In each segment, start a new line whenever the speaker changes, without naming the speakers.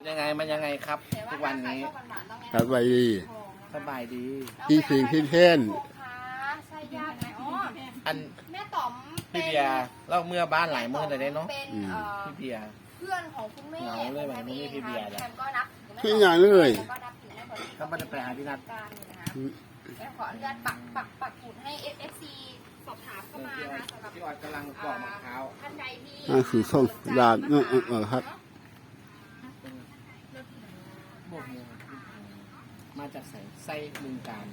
ยังไงมันยังไงครับทุกวันนี้
สบายดี
สบายดี
พี่สิงพี่เท่น
ใช่ญาติไหมอ๋อ
อัน
แม่ต๋อม
พี่เบียร์เล่าเมื่อบ้านหลายมื้อเลยเนาะ
เป็น
พี่เบียร์
เพื่อนของคุณแม่
เหงาเลยแบบนี้พี่เบียร์
แคมก็นับ
พี่ใหญ่เลย
แล้วก็นับถือแม่บริ
ก็ไม่ได้ไปหาพี่นัท
การนะคะแล้วขออนุญาตปักหมุดให้ FC สอบถามเข้ามานะสำหรับ
พี่ออดกำลังปอกมะพร้าว
ท่านใดที่
นั่นคือส้มลาดครับ
บวกมือมาจากไส้บึงการ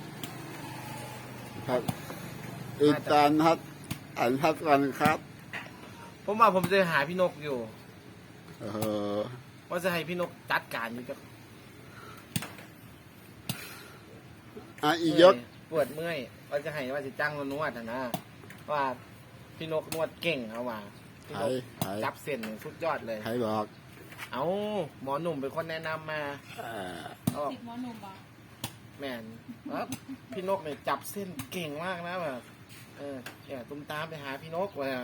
ครับอีกการครับอันทัดกันครับ
ผมว่าผมจะหาพี่นกอยู่
เออ
ว่าจะให้พี่นกจัดการอยู่กับ
อียศ
ปวดเมื่อยว่าจะให้ว่าจะจ้างนวดนะว่าพี่นกนวดเก่งเอาว่าพี่
ไท
นก
ยไทย
จับเส้นสุดยอดเลย
ไทยบอก
เอาหมอหนุ่มเป็นคนแนะนำมาเอา
ติดหมอหนุ่มอ่ะ
แม่นครับพี่นกเนี่ยจับเส้นเก่งมากนะแบบเนี่ยตุ้มตามไปหาพี่นกว่า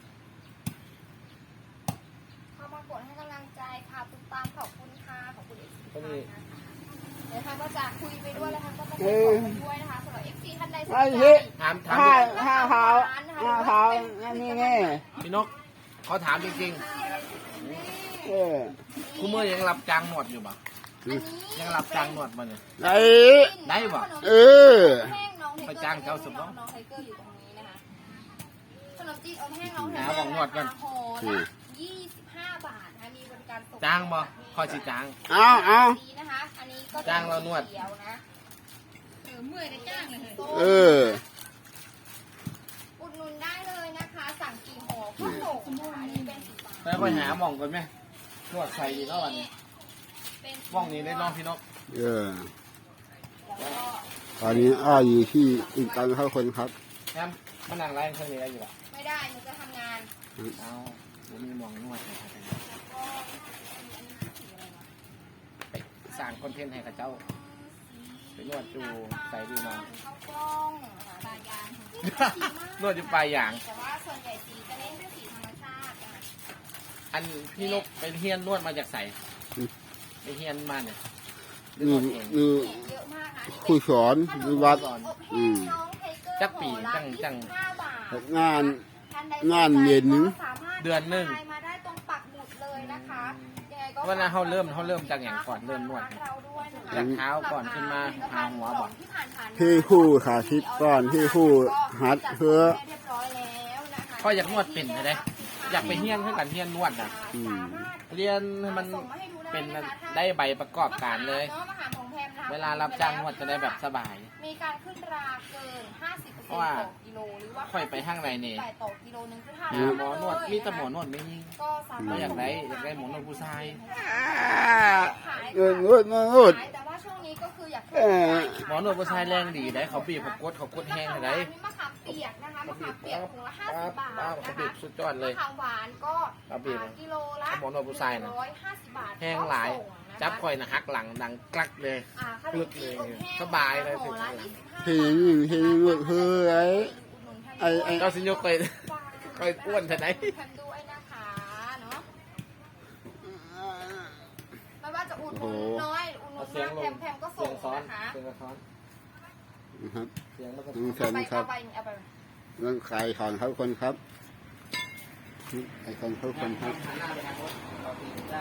เข้ามากดให้กำลังใจค่ะตุ้มตามขอบคุณค่ะขอบคุณ FC
ก็มี
เดี๋ยวท่านก็จะคุยไปด้วยแล้วท่านก็จะคุยไปด้วยนะคะสำหรับ FC ท่านใดสนใจ
ถาม
ห้าเท้านี่ไง
พี่นกเขาถามจริง
เออ
ๆคุณเมื่อยังรับจ้างนวดอยู่ปะยังรับจ้างนวดมาเนี่ย
ไอ้
ได้ปะ
เออ
แห้งน้องไท
ไป
เกอร์
จ้างเจ้าสุดเนอะ
น้องไทเกอร์อยู่ตรงนี้นะคะขนมจีนอบแห้งน้องไท
หา
เกอร์
ของนวดก่อน
ราคาห่อละ25 บาทนะคะมีบริการส่ง
จ้างบ่คอยสิจ้าง
เอา
ดีนะคะอันนี้ก็
จ้างเรานวด
เขียวนะ
เมื่อยได้จ้างเลย
เออ
อุดหนุนได้เลยนะคะ สั่งกี่ห่อก็ส่งนะคะอันนี้เป็นสีฟ้า
แล้วไปหาหม่องกันไหมนวดใส่ดีเท่าวันนี้
เป็น
หม่องนี้ได้เน้องพี่นก
เออ
แล้วก็
ตอนนี้อยู่ที่อีกการเข้าคนครับ
แอมมานั่งไล่เครื่องนี้ได้อยู่ปะ
ไม่ได้หนูจะทำงาน
เอาผมมีหม่องนวดนะครับ
แล้วก็อันนี้สีอะไรวะ
ไปสร้างคอนเทนต์ให้กับเจ้า ไปนวดจูใส่ดีเนาะ
ข้าวกล้องนะคะปลายาง
นวดอยู่ปลายอย่าง
แต่ว่าส่วนใหญ่สีจะเน้นเป็นสีธรรมชาตินะคะ
อันพี่นกไปเฮียนนวดมาจากใสไปเฮียนมาเนี่ยหรือ
นี่
นวดเอง
นี่
เยอะมากนะ
ครูสอนในวัด
อบแห้งน้องไทเกอร์
จักปี
ห่อละ
จัง
25 บาท
งาน
ท่ใด
งานเย็นนึง
ก็สามารถ
เดือนหนึ่ง
ไลมาได้ตรงปักหมุดเลยนะคะยังไงก็
วันนั้นเขาเริ่มจากอย่างก่อนเริ่มนวด
เราด้วยนะคะ
จากเท้าก่อนขึ้นมาหาหัวบอก
ที่ผ่านๆ
ที่คู่ขาทิพย์ก่อนที่คู่หัดเพื่อ
เรียบร้อยแล้วนะคะ
ก็อยากนวดเป็นเลยอยากไปเฮียนเพื่อกันเฮียนนวดนะ
อืม
เรียนให้มันเป็นได้ใบประกอบการเลย เวลารับจ้างนวดจะได้แบบสบาย
มีการขึ้นราเกิน 50%
เพราะว่า
ต่อกิโลหรือว่า
ค่อยไปห้างในนี่
ต่อกิโลนึงคือ
หา
5
หมอนวดมีแต่หมอนวดไม่ยิ่ง
ก็สามาร
ก็
ถ
อยากได้หมอนวดผู้ชาย
เงินงดเงินงด
แต่ว่าช่วงนี้ก็คืออยาก
หมอนวดผู้ชายแรงดีได้เขาบีบเขากดแห้งได้
มีมะขามเปียกนะคะมะขามเปียกถุงละ50 บาท
เขา
นะ
บี
คะ
บสุดยอดเลย
มะขามหวานก็
เอาบีบ
กิโลละ
หมอนวดผู้ชายนะ
150 บาท
แห้งหลาย จับคอยนะหักหลังดังกลักเลย
ขนมจีนอบแห้ง
สบายเลย
ห่อละ
ที่นี่ที่นี่คือไอ้
เจ้าสินยกคอยอ้วนเท่าไหน
ทำด้วยนะคะเนาะไม่ว่าจะอุดหนุนน้อยอุดหนุน
เสียง
มาก
ลง
แพมก็
เสี
ส่
ย
ง
งซ้อน
นะคะ
เสียงซ้อน
ครับ
เสียงมันก็
ดูแฟ
เอา
น
ไป
ครับ
เอาไป
เรื่องขายของเขาคนครับไอ้คนเขาคนครับ
หันหน้าไปทางโน้นเราตีจ้าง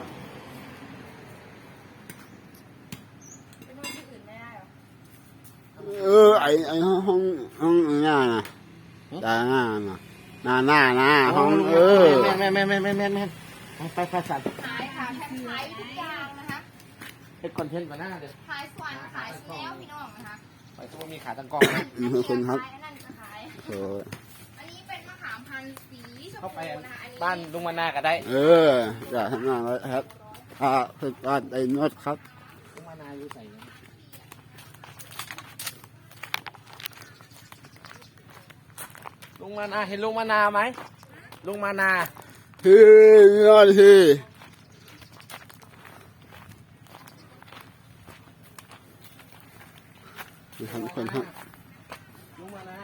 ไปนวดที่อื่นไม่ได้หรอ
ไอ้ห้องหน้านะตาหน้านะหน้าห้อง
แม่ไปสั่น
ขายค่ะแพมขายทุกอย่างนะคะ
เป็นคอนเทนต์มาหน้าเดี๋ยว
ขายส่วนขายแล้วพี่น้องนะคะ
ไปทุกมีขาตั้งกล้อง
คือคนครับ
ขายอันนั้นจะขาย
โอ้
อันนี้เป็นมะขามพันธุ์สีชม
เข้าไป
พูนะคะอันนี้
บ้านลุงมานาก็ได้
อยากทำงานแล้วครับถ้าคือการไอ้นวดครับ
ลุงมานาอยู่ใส่ลุงมานาเห็นลุงมานาไหมลุงมานา
ที่นวดที่ทำคนครับ
ลุงมานา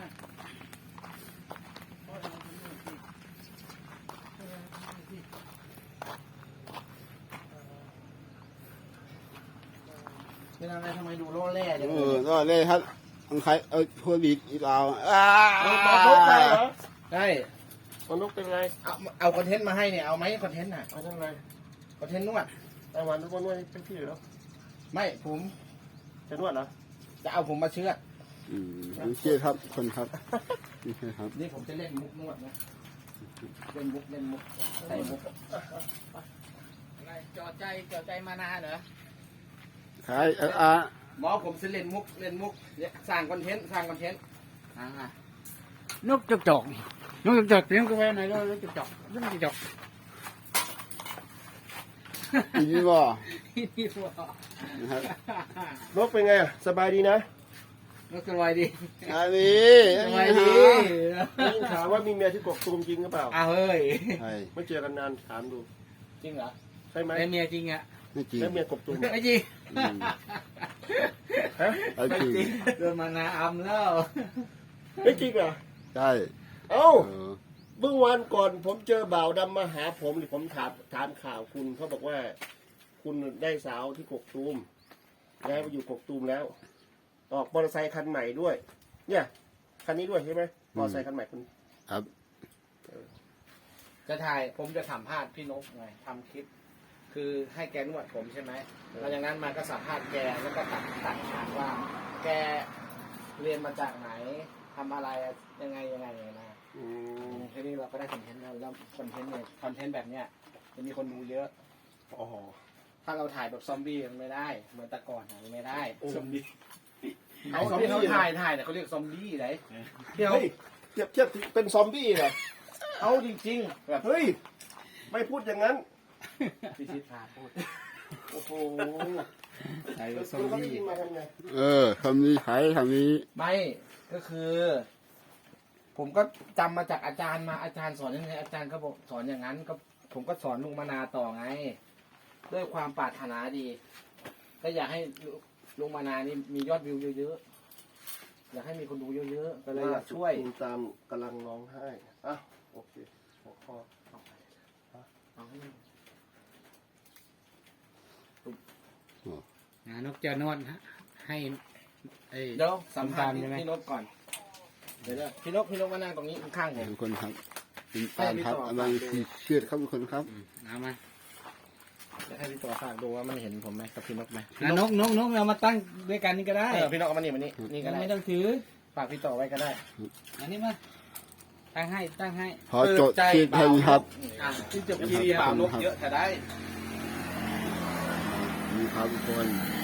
เป็นอะไรทำไมดูโล่แร่จัง
ก็เลยครับต้องใครพูดอีกเอา
มาพบใครเหรอ
ใช่
มนุษย์เป็นไร
เอาคอนเทนต์มาให้เนี่ยเอาไหมคอนเทนต์น่ะ
เอาทำไร
คอนเทนต์นวด
ไต้หวันทุกคนนวดเป็นพี่เหรอ
ไม่ผม
จะนวดเหรอ
จะเอาผมมาเชื่อด
ไม่ใช่ครับคนครับไม่ใช่ครับ
นี่ผมจะเล่นมุกนวดนะเล่นมุกใส่มุก
อะไรจอดใจมานานเหรอ
ใคร
หมอผมจะเล่นมุกเนี่ยสร้างคอนเทนต์
นกจอกนกจอกเลี้ยงกาแฟไหนก็นกจอก
อีนี่บ่
นี่ว่า
นะครับ
นกเป็นไงอะสบายดีนะ
นกสบายดี
อันนี้
สบายดี
ได้ยินข่าวว่ามีเมียที่กกตูมจริงหรือเปล่า
อ้าวเฮ้ย
ใช่
ไม่เจอกันนานถามดู
จริงเหรอ
ใช่ไหม
เป็นเมียจริงอ่ะ
ไม่จริง
แล้วเมียกบตูม
ไม่จริง
ฮะ
ไม่จริง
โดนมานาอำแล้ว
ไม่จริงเหรอ
ใช่
เอ้า
เออ
เมื่อวันก่อนผมเจอบ่าวดำมาหาผมหรือผมถามข่าวคุณเขาบอกว่า คุณได้สาวที่กกตูมย้ายมาอยู่กกตูมแล้ว ออกมอเตอร์ไซค์คันใหม่ด้วย เนี่ยคันนี้ด้วยใช่ไหมมอเตอร์ไซค์คันใหม่คุณ
ครับ
จะถ่ายผมจะสัมภาษณ์พี่นกไงทำคลิป คือให้แกนวดผมใช่ไหมหลังจากนั้นมาก็สัมภาษณ์แกแล้วก็ตัดฉากว่า แกเรียนมาจากไหนทำอะไรยังไงนะ
อืม
แค่นี้เราก็ได้คอนเทนต์แล้วคอนเทนต์เนี่ยคอนเทนต์แบบเนี้ยจะมีคนดูเยอะ
อ๋อ
ถ้าเราถ่ายแบบซอมบี้มันไม่ได้ เหมือนแต่ก่อนอะมันไม่ได้
ซอมบี้
เขาที่เขาถ่ายเนี่ยเขาเรียกซอมบี้ไหนที่เขา
เฮ้ยเทียบเป็นซอมบี้เหรอ
เอาจริงๆแบบ
เฮ้ย ไม่พูดอย่างนั้น
พิชิตพาพูด
โอ้โห
ไอ้
แล้ว
ซอม
เขาได้
บี้
ยินมาทำไง
คำนี้ใครคำนี้
ไม่ก็คือ ผมก็จำมาจากอาจารย์มาอาจารย์สอนยังไงอาจารย์ก็บอกสอนอย่างนั้นก็ผมก็สอนลุงมานาต่อไง ด้วยความปรารถนาดี ก็อยากให้ลุงมานานี่มียอดวิวเยอะๆอยากให้มีคนดูเยอะๆก็เลยอยากช่วย
ตูมตามกำลังร้องไห้อ่ะโอเคหัวข้อ
เอาให้มัน
นกจะนวดให้ไอ้
เดี๋ยวสัมภาษณ์
ใช่ไหม
พี่นกก่อนเดี๋ยวพี่นกมานั่งตรงนี้ข้างๆผม
ทุกคนครับเป็นตามครับอะไรที่เชื่อครับทุกคนครับ
เอามา
จะให้พี่ต่อฝากดูว่ามันเห็นผมไหมกับพี่นกไหม
นกเอามาตั้งด้วยกันนี่ก็ได้
พี่นกเอามานี่นี่ก็ได้
ไม่ต้องถือ
ฝากพี่ต่อไว้ก็ได้
อันนี้มาตั้งให้
พอโจทย์คิดให้ครับ
อ่ะที่จบทีเดียวบ่าวนกเยอะแต่ได้
นี่ครับทุกคน